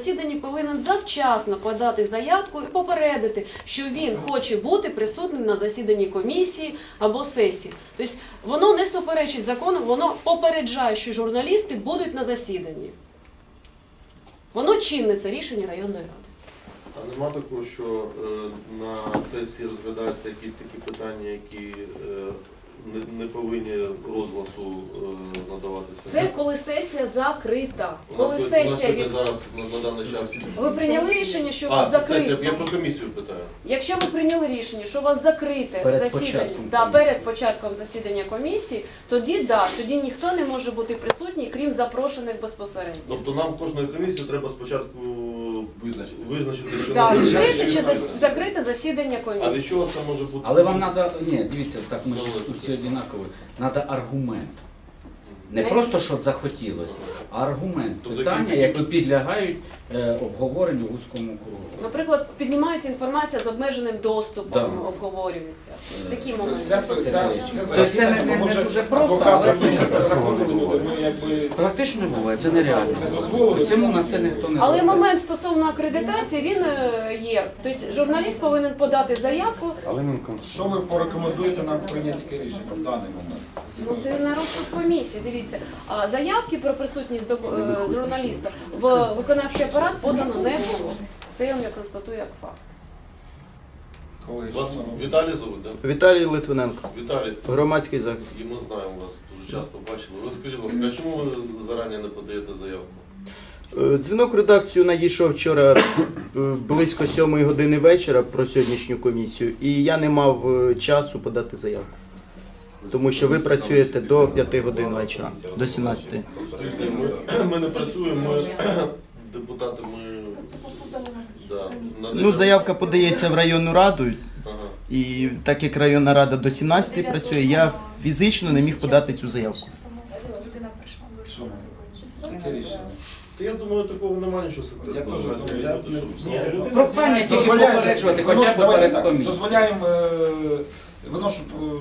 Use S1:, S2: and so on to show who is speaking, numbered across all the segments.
S1: засіданні повинен завчасно подати заявку і попередити, що він хоче бути присутнім на засіданні комісії або сесії. Тобто воно не суперечить закону, воно попереджає, що журналісти будуть на засіданні. Воно чинне, це рішення районної ради.
S2: А нема такого, що на сесії розглядаються якісь такі питання, які не повинні розгласу надаватися?
S1: Це коли сесія закрита.
S2: У нас сьогодні зараз на даний час...
S1: Ви прийняли рішення, що у вас закрите?
S2: Я про комісію питаю.
S1: Якщо ви прийняли рішення, що у вас закрите засідання перед початком засідання комісії, тоді ніхто не може бути присутній, крім запрошених безпосередньо.
S2: Тобто нам кожної комісії треба спочатку визначити, що
S1: Так, відкрите чи закрите засідання комісії.
S2: А від чого це може бути?
S3: Але вам треба, ні, дивіться, так ми ж тут всі однакові, треба аргумент. Не просто, що захотілося, а аргумент. Питання, які підлягають обговоренню в вузькому кругу.
S1: Наприклад, піднімається інформація з обмеженим доступом, обговорюється. Такі моменти.
S3: Це не дуже просто, але практично буває, це нереально. Всьому на це ніхто не
S1: Але момент стосовно акредитації, він є. Тобто журналіст повинен подати заявку.
S4: Що ви порекомендуєте нам прийняти яке рішення в даний момент?
S1: Ну, це на розсуд комісії, дивіться. А заявки про присутність журналіста в виконавчий апарат подано не було. Це я вам констатую як факт.
S2: Вас Віталій зовуть, так?
S5: Віталій Литвиненко,
S2: Віталій,
S5: громадський захист.
S2: і ми знаємо вас, дуже часто бачили. Ви скажіть, будь ласка, а чому ви зарані не подаєте заявку?
S5: Дзвінок в редакцію надійшов вчора близько 7 години вечора про сьогоднішню комісію, і я не мав часу подати заявку. Тому що ви працюєте до 5 годин вечора, до 17.
S2: Ми не працюємо, ми депутати,
S5: Ну, заявка подається в районну раду,
S2: Ага.
S5: і так як районна рада до 17 працює, я фізично не міг подати цю заявку.
S4: Що ми? Яке рішення?
S2: Та я думаю, такого немає нічого секретного.
S4: Я теж думаю,
S3: прохання тільки попереджувати, хоча б перед комісією.
S4: Дозволяємо, виношу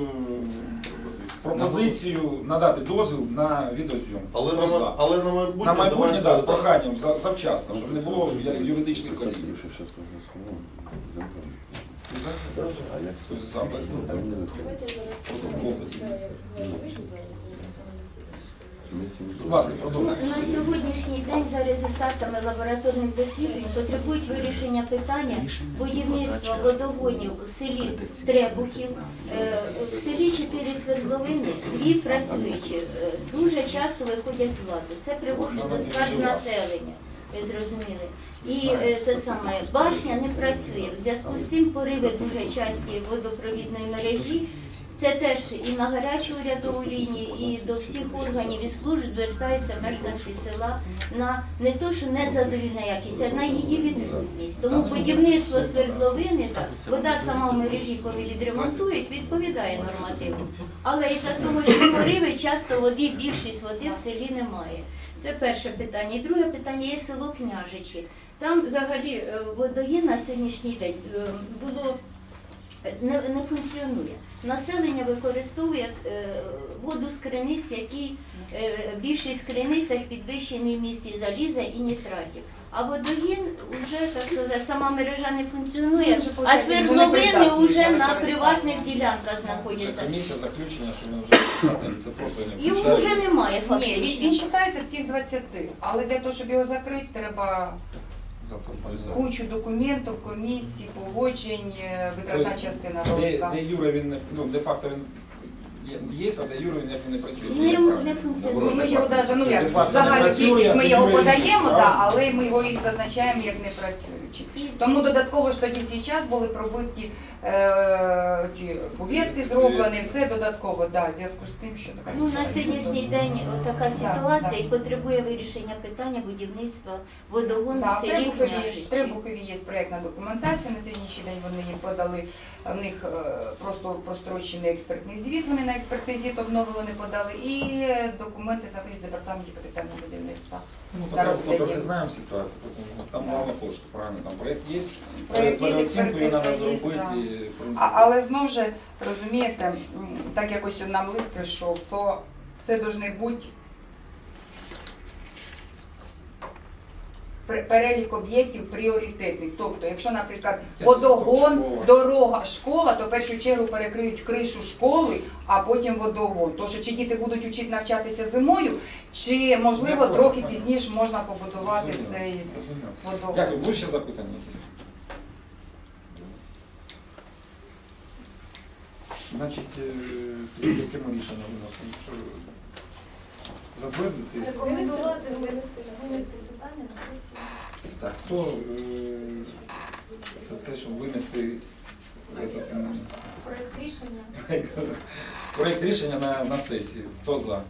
S4: пропозицію надати дозвіл на відеозйомку.
S2: Але на майбутнє...
S4: На майбутнє, так, з проханням завчасно, щоб не було юридичних колізій. Будь ласка, продовжуйте.
S6: На сьогоднішній день за результатами лабораторних досліджень потребують вирішення питання будівництва водогонів у селі Требухів. В селі 4 свердловини, 2 працюючі, дуже часто виходять з ладу. Це приводить до скарг населення. Ви зрозуміли. І те саме, башня не працює. В зв'язку з цим пориви дуже часті водопровідної мережі. Це теж і на гарячу урядову лінію, і до всіх органів і служб звертаються мешканці села на не то, що незадовільна якість, а на її відсутність. Тому будівництво свердловини, вода сама в мережі, коли відремонтують, відповідає нормативу. Але із-за того, що пориви, часто води, більшість води в селі немає. Це перше питання. І друге питання є село Княжичі. Там взагалі водогін на сьогоднішній день було не функціонує. Населення використовує воду з криниць, які більшість в криницях підвищені в місті заліза і нітратів. А водогін вже, так сказати, сама мережа не функціонує, а свердловини вже на приватних ділянках знаходяться.
S4: Комісія заключення, що ми вже це просто не
S6: Його
S4: включаємо.
S6: вже немає
S7: Ні,
S6: фактично.
S7: він вважається в цих 20, але для того, щоб його закрити, треба кучу документів, комісій, погоджень, витратна частина робота.
S4: Де Юра він, ну, де-факто він є, а де Юра він як не працює.
S6: Не функціонує.
S7: Ми ж його навіть, ну як,
S4: Де-факто
S7: загальну
S4: не працює,
S7: кількість ми
S4: а
S7: його
S4: Юра
S7: подаємо,
S4: він-
S7: да, але ми його і зазначаємо як не працюючий. Тому додатково ж тоді свій час були пробиті ці бювети зроблені, все додатково, да, в зв'язку з тим, що така
S6: Ну, на
S7: ситуація.
S6: сьогоднішній день така ситуація і потребує вирішення питання будівництва водогону в селі
S7: В
S6: Княжичі.
S7: Требухові є проєктна документація, на сьогоднішній день вони їм подали, в них просто прострочений експертний звіт, вони на експертний звіт обновили, не подали, і документи знаходяться в департаменті капітального будівництва.
S4: Ну,
S7: на
S4: поки
S7: розгляді.
S4: не знаємо ситуацію, там мало коштів, правильно, там проєкт є,
S7: Проєкт є,
S4: переоцінку її треба
S7: експертиза є,
S4: зробити.
S7: да.
S4: І, в принципі,
S7: Але знову ж, розумієте, так якось нам лист прийшов, то це повинні бути перелік об'єктів пріоритетних. Тобто, якщо, наприклад,
S4: Дитячий
S7: водогон,
S4: садок, школа.
S7: дорога, школа, то в першу чергу перекриють кришу школи, а потім водогон. Тож, чи діти будуть вчити навчатися зимою, чи, можливо,
S4: Дякую.
S7: трохи пізніше можна побудувати
S4: Розумію,
S7: цей
S4: розумію.
S7: водогон.
S4: Дякую. Будуть ще запитання якісь? Значить, тоді яке ми рішення виносимо? Що, затвердити?
S8: Рекомендувати винести питання на сесію.
S4: Так, хто за те, щоб винести
S8: Проект рішення.
S4: проєкт рішення на сесію? Хто за?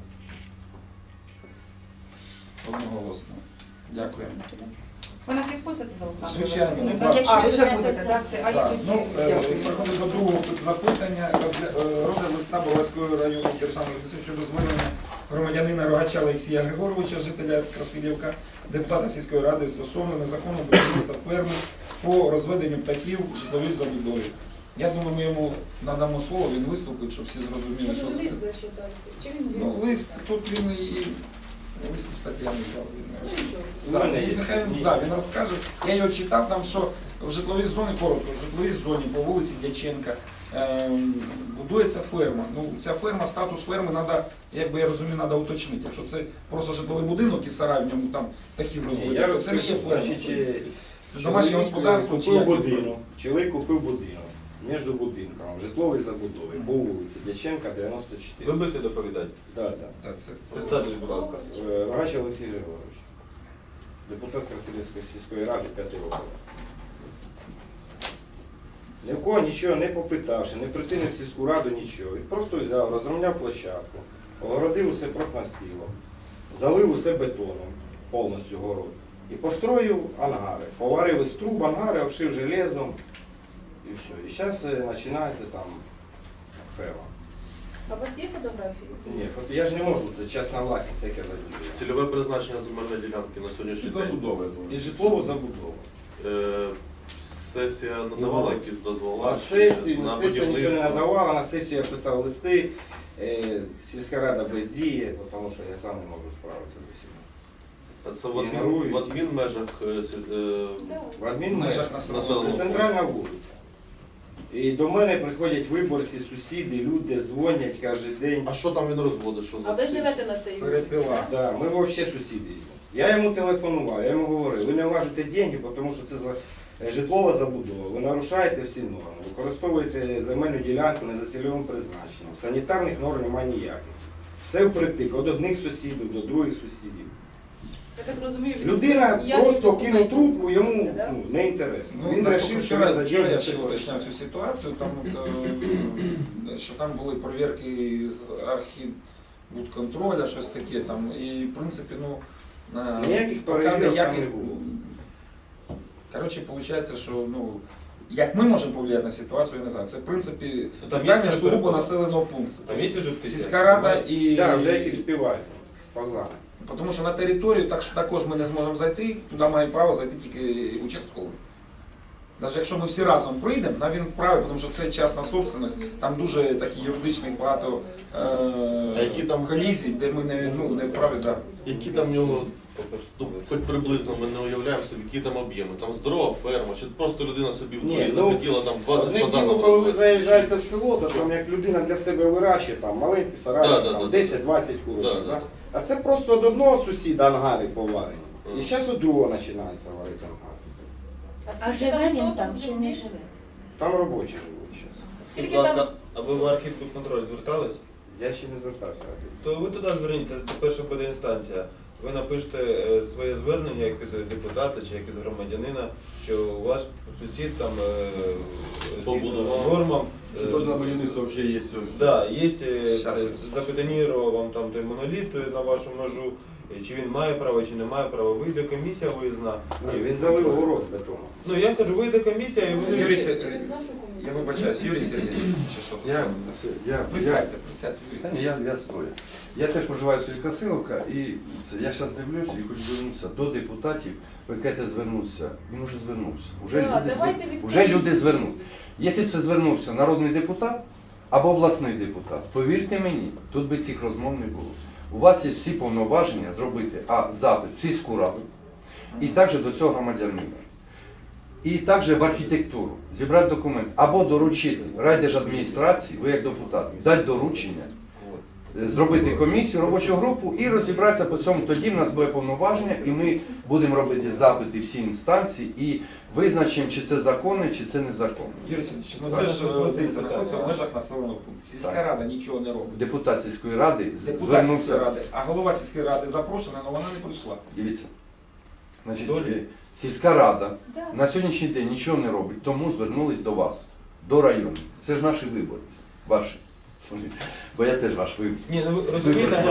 S4: Одноголосно. Дякуємо.
S7: Ви нас відпустите з Олександром?
S4: Звичайно,
S7: Васильовною?
S4: будь ласка.
S7: А, ви вже будете, так? Це, а я
S4: Так,
S7: тоді.
S4: ну,
S7: Дякую.
S4: переходимо до другого запитання. Розгляд листа Броварської районної державної адміністрації щодо звернення громадянина Рогача Олексія Григоровича, жителя з Красилівка, депутата сільської ради стосовно незаконного будівництва ферми по розведенню птахів в житловій забудові. Я думаю, ми йому надамо слово, він виступить, щоб всі зрозуміли, що це. Ну, лист, тут він і... Лист, кстати, я не взяв.
S5: У мене є.
S4: Нехай він розкаже. Я його читав, там, що в житловій зоні, коротко, в житловій зоні по вулиці Дяченка будується ферма. Ну, ця ферма, статус ферми треба, як би я розумію, треба уточнити. Якщо це просто житловий будинок і сарай, в ньому там птахів розводять, то це не є ферма. Це домашнє господарство чи
S9: Купив
S4: як?
S9: будинок, чоловік купив будинок між будинками, житловий забудови, по вулиці Дяченка, 94.
S2: Ви будете доповідати?
S9: Так.
S4: Так, це
S2: Представтесь, будь ласка.
S9: Рогач Олексій Григорович, депутат Красилівської сільської ради 5 років. Ні в кого нічого не попитавши, не прийти в сільську раду, нічого. Він просто взяв, розрівняв площадку, огородив усе профнастілом, залив усе бетоном, повністю город. І построїв ангари. Поварив із труб ангари, обшив железом. І все. І зараз починається там ферма.
S8: А у вас є фотографії?
S9: Ні, я ж не можу, це частна власність, яке забудує.
S2: Цільове призначення земельної ділянки на сьогоднішній день.
S9: І житлову забудову.
S2: Сесія надавала якісь дозволи
S9: На сесію
S2: на
S9: нічого не
S2: будівництво.
S9: надавала, на сесію я писав листи, сільська рада бездіє, тому що я сам не можу справитися з усім.
S2: А це в адмінмежах
S9: В адмінмежах
S2: населеного
S9: це центральна вулиця. І до мене приходять виборці, сусіди, люди дзвонять кожен день.
S2: А що там він розводить? Що
S8: А ви живете на цій вулиці?
S4: перепила.
S9: Да, ми взагалі сусіди. Я йому телефонував, я йому говорив, ви не влажите гроші, тому що це житлова забудова, ви нарушаєте всі норми, використовуєте земельну ділянку не за цільовим призначенням, санітарних норм немає ніяких. Все впритик, від одних сусідів до других сусідів.
S8: Я так розумію,
S9: Людина
S8: ніяких
S9: просто кинув
S8: документів
S9: трубку,
S8: не
S9: йому
S8: робиться, да?
S9: не інтересно.
S4: Ну,
S9: Він вирішив, що він за
S4: вчора я
S9: день
S4: ще
S9: все
S4: уточняв
S9: вирішив.
S4: цю ситуацію, там, що там були перевірки з архібудконтроля, щось таке там. І в принципі, ну,
S9: Ніяких
S4: поки
S9: перевірок там
S4: ніяких,
S9: не було.
S4: коротше, виходить, що, ну, як ми можемо повлияти на ситуацію, я не знаю. Це, в принципі,
S2: Там
S4: питання
S2: є
S4: сугубо
S2: перепила.
S4: населеного пункту.
S2: Там є вже птиця?
S4: Сільська рада і...
S9: Так, вже якісь співають, фазани.
S4: Тому що на територію також ми не зможемо зайти, туди має право зайти тільки участковий. Навіть якщо ми всі разом прийдемо, він правий, тому що це частна собственность, там дуже такі юридичних багато
S2: які там-
S4: колізій, де ми не праві, да.
S2: Які там в нього, ну, хоч приблизно ми не уявляємо собі, які там об'єми. Там здорова ферма, чи просто людина собі в
S9: Ні,
S2: дворі
S9: ну,
S2: захотіла там 20
S9: Одне діло,
S2: фазанів.
S9: коли ви заїжджаєте в село, то там як людина для себе вирощує, там маленький сарайчик,
S2: Да,
S9: там
S2: да,
S9: 10-20 курочок.
S2: Да, да,
S9: Да?
S2: да.
S9: А це просто від одного сусіда ангари поварені. І
S2: Мгм.
S9: зараз у другого починається варити ангари.
S6: А
S8: скільки
S6: живе він
S8: соток
S6: там чи не
S8: землі?
S6: живе?
S9: Там робочі живуть зараз.
S8: Скільки там?
S10: А ви в архівконтроль звертались?
S9: Я ще не звертався.
S10: То ви туди зверніться, це перша буде інстанція. Ви напишете своє звернення як від депутата чи як від громадянина, що ваш сусід там
S2: Побудував.
S10: нормам.
S11: Що теж на будівництво взагалі є.
S10: Да, є,
S4: Щас.
S10: запетонірував вам там той моноліт на вашу ножу, чи він має право, чи не має права. Вийде комісія виїзна.
S9: Ні, він залив город бетоном.
S10: Ну я кажу, вийде комісія і буде.
S4: Юрій
S8: Через
S4: Сергійович,
S8: нашу комісію.
S4: я вибачаюсь, Юрій Сергійович, чи що тут
S11: Я,
S4: сказано? Присядьте, Юрій
S11: Та ні,
S4: Сергійович.
S11: я стою. Я теж проживаю в селі Красилівка і я зараз дивлюся і хочу звернутися до депутатів. Ви кажете звернутися. Він уже звернувся. Уже люди звернуть. Якщо б це звернувся народний депутат або обласний депутат, повірте мені, тут би цих розмов не було. У вас є всі повноваження зробити запит в сільську раду, І також до цього громадянина. І також в архітектуру зібрати документ або доручити райдержадміністрації, ви як депутат, дати доручення, зробити комісію, робочу групу і розібратися по цьому. Тоді в нас буде повноваження, і ми будемо робити запити всі інстанції і визначимо, чи це законно, чи це незаконно.
S4: Юрій Сергійович, ну це ж дивіться, знаходиться в межах населеного пункту. Сільська рада нічого не робить.
S11: Депутат сільської ради
S4: Депутат сільської
S11: звернувся.
S4: ради, а голова сільської ради запрошена, але вона не прийшла.
S11: Дивіться, значить, сільська рада
S8: Да.
S11: на сьогоднішній день нічого не робить, тому звернулись до вас, до району. Це ж наші виборці, ваші. Бо я теж ваш виборець.
S10: Ні, ну ви розумієте,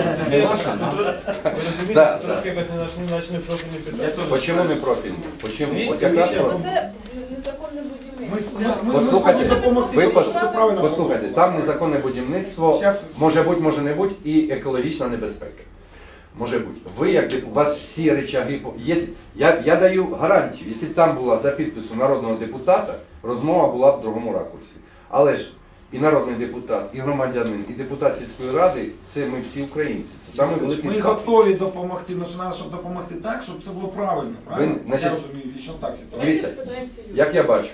S11: Да,
S10: трошки якось не профільне питання.
S11: Почему не профільні? Почему?
S10: Є
S11: От якраз
S10: комісія.
S11: про-
S8: Це незаконне будівництво.
S4: Ми
S11: Послухайте,
S4: зможемо допомогти,
S11: ви
S4: тому що це правильно.
S11: Послухайте, там незаконне будівництво,
S4: Щас-
S11: може бути, може не бути, і екологічна небезпека. Може бути. Ви, як у вас всі речаги, я даю гарантію, якщо б там була за підписом народного депутата, розмова була в другому ракурсі. Але ж і народний депутат, і громадянин, і депутат сільської ради, це ми всі українці. Це саме великий
S4: Ми
S11: статус.
S4: готові допомогти, але треба, щоб допомогти так, щоб це було правильно. Правильно?
S11: значить,
S4: Я розумію, що так ситуація.
S11: Дивіться, як я бачу,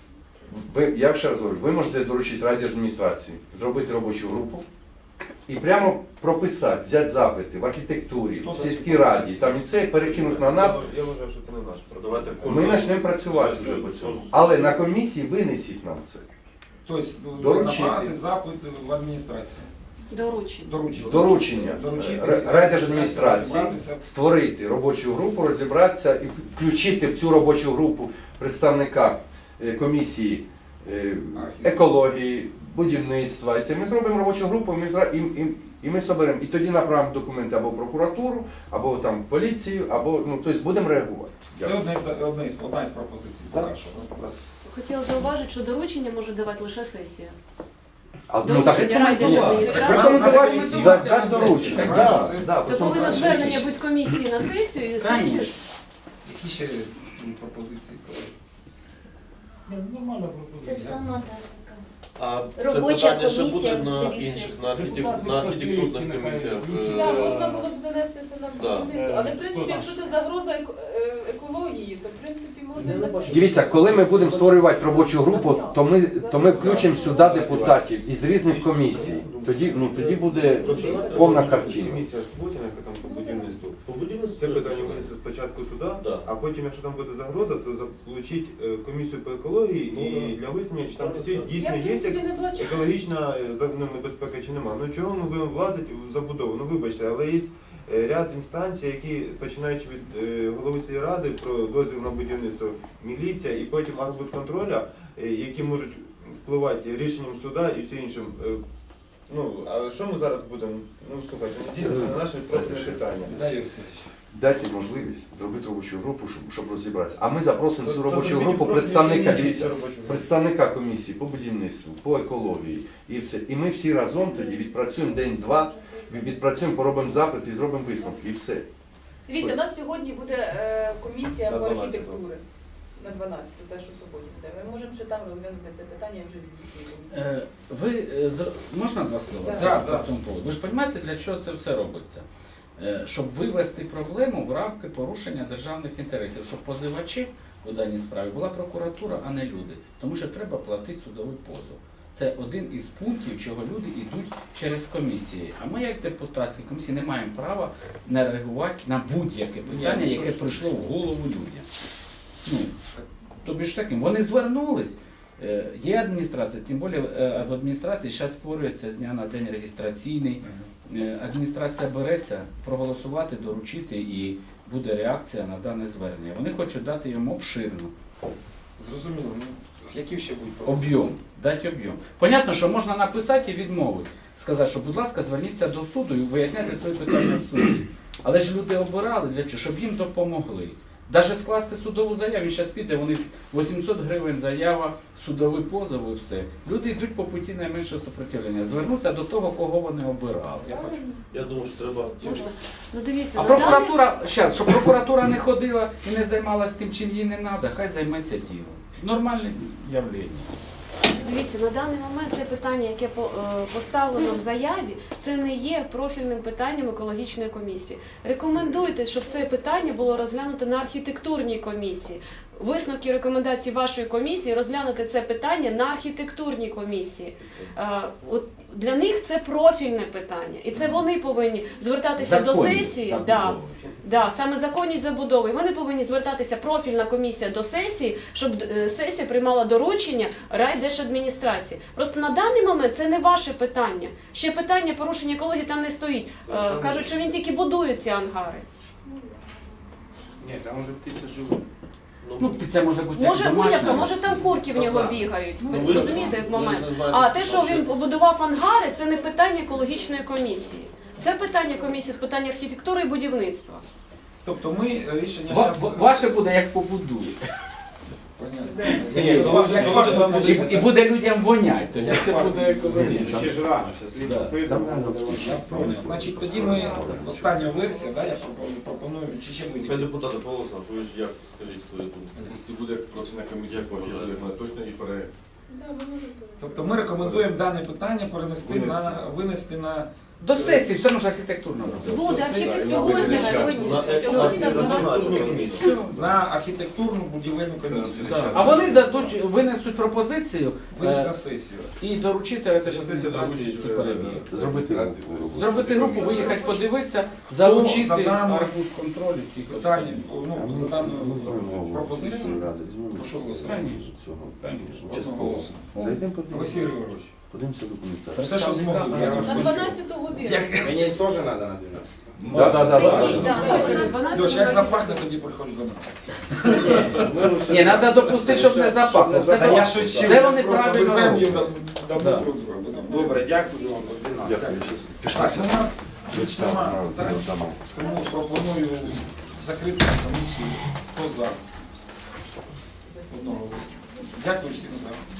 S11: я ще раз говорю, ви можете доручити райдержадміністрації, зробити робочу групу і прямо прописати, взяти запити в архітектурі, в сільській раді, там і це перекинути на нас.
S10: Я вважаю, що це не наш
S2: Давайте
S11: Ми почнемо працювати вже по цьому. Але на комісії винесіть нам це.
S4: Тобто
S11: Доручити.
S4: направити запит в адміністрацію.
S1: Доручення.
S11: Доручення
S4: Доручити.
S11: райдержадміністрації
S4: Розібратися.
S11: створити робочу групу, розібратися і включити в цю робочу групу представника комісії екології, будівництва. І це ми зробимо робочу групу, і ми соберемо. І тоді направимо документи або в прокуратуру, або там в поліцію, або тобто будемо реагувати.
S4: Це одна із пропозицій. Поки що.
S1: Хотіла зауважити, що доручення може давати лише сесія.
S11: Так,
S1: Доручення райдержадміністрації.
S11: рекомендувати дати доручення.
S4: Це-
S1: То повинно звернення бути комісії на сесію і сесія.
S3: Конечно.
S4: Які ще пропозиції, колеги? Нормальна
S6: Це
S4: пропозиція.
S6: сама тактика.
S2: А це
S6: Робоча
S2: питання ще буде
S6: комісія
S2: на
S6: вирішує.
S2: інших, на архітектурних комісіях.
S8: Так, можна було б занести це на
S2: Да.
S8: будівництво. Але в принципі, якщо це загроза екології, то в принципі можна і на це.
S11: Дивіться, коли ми будемо створювати робочу групу, то ми включимо сюди депутатів із різних комісій. Тоді буде повна картина.
S10: Комісія Суботіна, яка там по будівництву.
S2: По будівництву
S10: Це питання винесе спочатку туди,
S2: Да.
S10: а потім, якщо там буде загроза, то залучить комісію по екології і для вияснення, чи там
S8: Я
S10: дійсно
S8: в
S10: є
S8: принципі не бачу.
S10: екологічна небезпека чи нема. Ну чого ми будемо влазити в забудову? Ну вибачте, але є ряд інстанцій, які, починаючи від голови сільради про дозвіл на будівництво, міліція і потім архбудконтроля, які можуть впливати рішенням суда і все іншим. Ну, а що ми зараз будемо? Ну, слухайте, ну, дійсно, це наше профільне питання.
S4: Да, Юрій Сергійович.
S11: Дайте можливість зробити робочу групу, щоб розібратися. А ми запросимо
S10: То-
S11: цю
S10: то
S11: робочу
S10: зробіть
S11: групу
S10: профільні
S11: представника,
S10: комісії,
S11: дивіться,
S10: цю робочу групу.
S11: представника комісії по будівництву, по екології і все. І ми всі разом тоді відпрацюємо день-два, відпрацюємо, поробимо запит і зробимо висновки. І все.
S8: Дивіться, у нас сьогодні буде комісія
S10: На
S8: по
S10: 12-го.
S8: архітектури. На 12, те, що суботі буде. Ми можемо ще там розглянути це питання вже від їхньої комісії.
S3: Можна два слова?
S4: Да,
S3: по
S4: да.
S3: цьому поводу? Ви ж розумієте, для чого це все робиться? Щоб вивести проблему в рамки порушення державних інтересів, щоб позивачі у даній справі була прокуратура, а не люди. Тому що треба платити судовий позов. Це один із пунктів, чого люди йдуть через комісії. А ми, як депутатські комісії, не маємо права не реагувати на будь-яке питання, яке прийшло в голову людям. Ну, тобі ж таким, вони звернулись. Є адміністрація, тим більше в адміністрації зараз створюється з дня на день реєстраційний. Адміністрація береться проголосувати, доручити і буде реакція на дане звернення. Вони хочуть дати йому обширно
S4: Зрозуміло. Ну, які ще будуть пропозиції?
S3: об'єм, дати об'єм. Понятно, що можна написати і відмовити. Сказати, що, будь ласка, зверніться до суду і виясняйте свої питання в суді. Але ж люди обирали для чого? Щоб їм допомогли. Навіть скласти судову заяву, він зараз піде, вони 800 гривень заява, судовий позов і все. Люди йдуть по путі найменшого сопротивлення, звернуться до того, кого вони обирали.
S4: Я бачу.
S2: Я думаю, що треба.
S1: Можна? Ну дивіться,
S3: А
S1: на даний-
S3: прокуратура, зараз, щоб прокуратура не ходила і не займалася тим, чим їй не треба, хай займеться тілом. Нормальне явлення.
S1: Дивіться, на даний момент це питання, яке поставлено в заяві, це не є профільним питанням екологічної комісії. Рекомендуйте, щоб це питання було розглянуто на архітектурній комісії. Висновки і рекомендації вашої комісії розглянути це питання на архітектурній комісії. От для них це профільне питання, і це вони повинні звертатися до сесії. Да, саме законність забудови. І вони повинні звертатися, профільна комісія, до сесії, щоб сесія приймала доручення райдержадміністрації. Просто на даний момент це не ваше питання. Ще питання порушення екології там не стоїть. Кажуть, що він тільки будує ці ангари.
S9: Ні, там уже птиці живуть.
S3: Ну, це може бути
S1: Може
S3: як
S1: будь-яка,
S3: домашня.
S1: може там курки в нього
S2: Фазан.
S1: бігають.
S2: Ну,
S1: Ви
S2: ви
S1: розумієте
S2: ж-
S1: в момент?
S2: ви ж не знаєте,
S1: А те, що
S2: що
S1: він
S2: ще.
S1: побудував ангари, це не питання екологічної комісії. Це питання комісії з питань архітектури і будівництва.
S4: Тобто ми рішення
S3: Ва-
S4: зараз...
S3: Ваше буде як побудує.
S4: Понятно.
S3: І буде людям вонять, тоді це буде екологічно.
S9: Ще ж рано, ще слід
S3: Да.
S9: прийдемо.
S4: Значить, тоді ми остання версія, да, я пропоную, чи ще
S2: Хай
S4: будь-які.
S2: депутати Павло Олександрович, ви ж як скажіть свою думку?
S10: Якщо буде профільна комісія, точно і пере.
S8: Да, ми можемо.
S4: Тобто ми рекомендуємо дане питання винести на
S3: До сесії все одно ж архітектурно буде.
S8: Буде архітектура сьогодні, на 12.
S4: на архітектурну будівельну комісію.
S3: А вони дадуть, винесуть пропозицію
S4: Винести на сесію.
S3: і доручити адміністрації цю перевірку.
S11: Зробити групу.
S3: Зробити групу, виїхати подивитися,
S4: за
S3: залучити
S4: дану-
S3: архбудконтролю всіх
S4: Питання,
S3: остальних.
S4: ну, за дану пропозицію, прошу голосувати. Одноголосно. Олексій Григорович,
S11: Подивимося документацію.
S4: все, що змогли. я
S8: На
S4: розпишу.
S8: 12 годину.
S9: Мені теж треба на 12.
S4: Льош, як запахне, тоді приходь до нас.
S3: Ні, треба допустити, щоб не запахло. Все
S4: Та я
S3: добре.
S4: шучу,
S3: Все вони
S4: просто ми
S3: правильно
S4: знаємо їх
S3: роблять.
S4: давно
S3: Да.
S4: друг друга.
S9: Добре, дякую вам. До 12.
S11: Дякую.
S4: Так, у нас більш нема питань, тому пропоную закрити комісію. Хто за? Одного голосу. Дякую всім за.